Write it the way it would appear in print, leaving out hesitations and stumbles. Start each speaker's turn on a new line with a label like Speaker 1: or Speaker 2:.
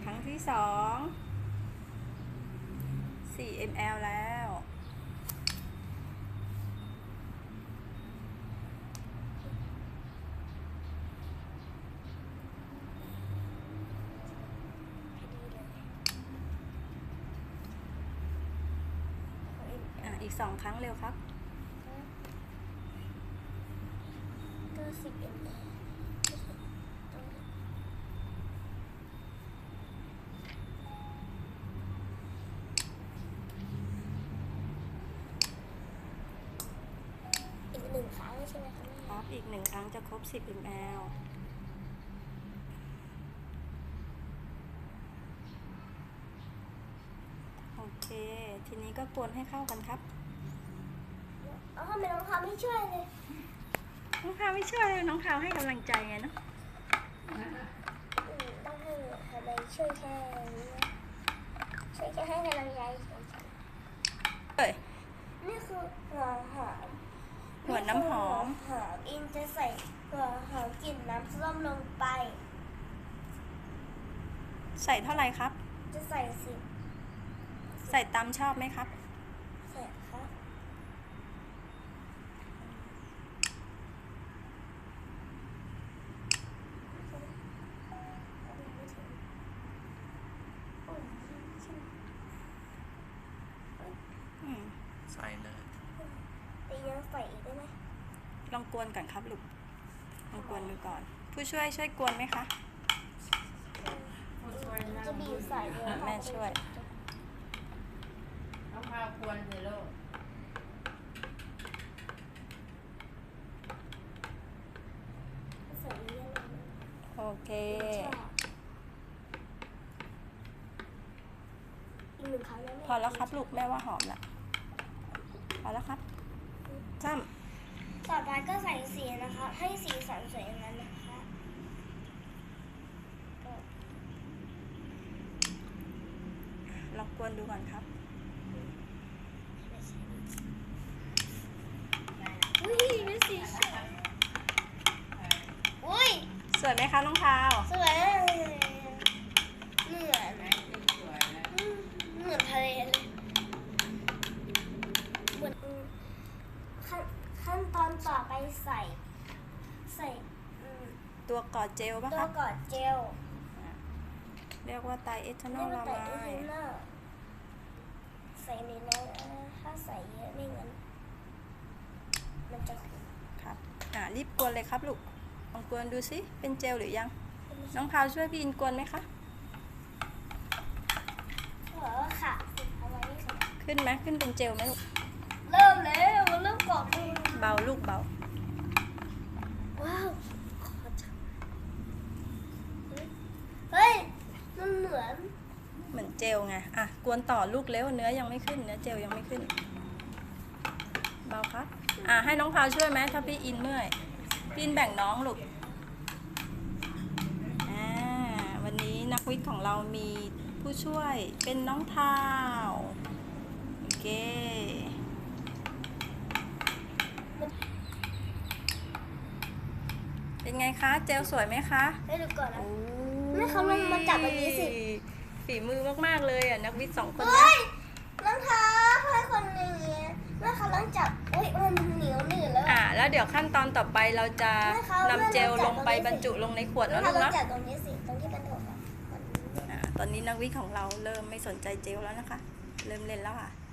Speaker 1: รั้งที่2 4 ml แล้วอีก2 ครั้งเร็วครับ
Speaker 2: ก็10 ml อีก1 ครั้งใช่ไหมคะ
Speaker 1: ครับอีก1 ครั้งจะครบ10 ml โอเคทีนี้ก็กวนให้เข้ากันครับ
Speaker 2: ทำไมน้องพาวไม่ช่วยเลย
Speaker 1: น้องพาวไม่ช่วยเลยน้องพาวให้กำลังใจไงเนาะ
Speaker 2: ต้องให้ทำไมช่วยแค่นี้ช่วยแค่ให้กำลังใจนี่คือหัวหอม
Speaker 1: หัวน้ำหอม
Speaker 2: อินจะใส่หัวหอมกลิ่นน้ำส้มลงไป
Speaker 1: ใส่เท่าไหร่ครับ
Speaker 2: จะใส่
Speaker 1: ใส่ตามชอบไหมครับ
Speaker 2: ใส่ครับ
Speaker 3: ใส่เลย
Speaker 2: แต่ยังใส่อีกได้ไหม
Speaker 1: ลองกวนก่อนครับลูกลองกวนดูก่อนผู้ช่วยกวนไหมคะ
Speaker 2: จะบีบใส่เลย
Speaker 1: แม่ช่วย
Speaker 4: น้องพาวกวนเลยลูก
Speaker 2: ใส่เยอะ
Speaker 1: โอเค
Speaker 2: อีก1 ครั้งแล้ว
Speaker 1: พอแล้วครับลูกแม่ว่าหอมละพอแล้วครับจ้ำ
Speaker 2: ต่อไปก็ใส่สีนะคะให้สีสันสวยงามนะคะ
Speaker 1: ลองกวนดูก่อนครับ
Speaker 2: อุ้ยเป็นสีสวยอุ้ย
Speaker 1: สวยไหมคะน้องพาว
Speaker 2: สวยเหมือนทะเลเลยเหมือนขั้นตอนต่อไปใส่
Speaker 1: ตัวกอดเจลป่ะค
Speaker 2: ตั
Speaker 1: รั
Speaker 2: ว
Speaker 1: บ
Speaker 2: กอดเจล
Speaker 1: เรียกว่าไตรเอทานอลลาไมด์
Speaker 2: ใส่ในนั้นถ้าใส่เยอะไม่งั้นมันจะขึ้น
Speaker 1: ครับรีบกวนเลยครับลูกลองกวนดูสิเป็นเจลหรือยังน้องพาวช่วยพี่อินกวนไหมคะ
Speaker 2: ค่ะเอาไว้ค่ะ
Speaker 1: ขึ้นไหมขึ้นเป็นเจลไหมลูก
Speaker 2: เริ่มแล้วเริ่มกรอบเลย
Speaker 1: เบาลูกเบา
Speaker 2: ว้าวเฮ้ยมันเห
Speaker 1: มือนเจลไงกวนต่อลูกเร็วเนื้อยังไม่ขึ้นเนื้อเจลยังไม่ขึ้นเบาครับให้น้องพาวช่วยไหมถ้าพี่อินเมื่อยพี่อินแบ่งน้องลูกวันนี้นักวิทย์ของเรามีผู้ช่วยเป็นน้องทาวโอเคเป็นไงคะเจลสวยไหมคะ
Speaker 2: ให้ดูก่อนนะแม่เขาลองมาจับแบบนี้สิ
Speaker 1: ฝีมือมากๆเลยนักวิทย์2 คน
Speaker 2: นี้น้องเท้าให้คนนี้แม่เขาลองจับอุ้ยมันเหนียวหนืดแล้ว
Speaker 1: แล้วเดี๋ยวขั้นตอนต่อไปเราจะนำเจลลงไปบรรจุลงในขวดแล้วลูกนะ
Speaker 2: จับตรงนี้สิตรงที่มันถูก
Speaker 1: ตอนนี้นักวิทย์ของเราเริ่มไม่สนใจเจลแล้วนะคะเริ่มเล่นแล้วค่ะ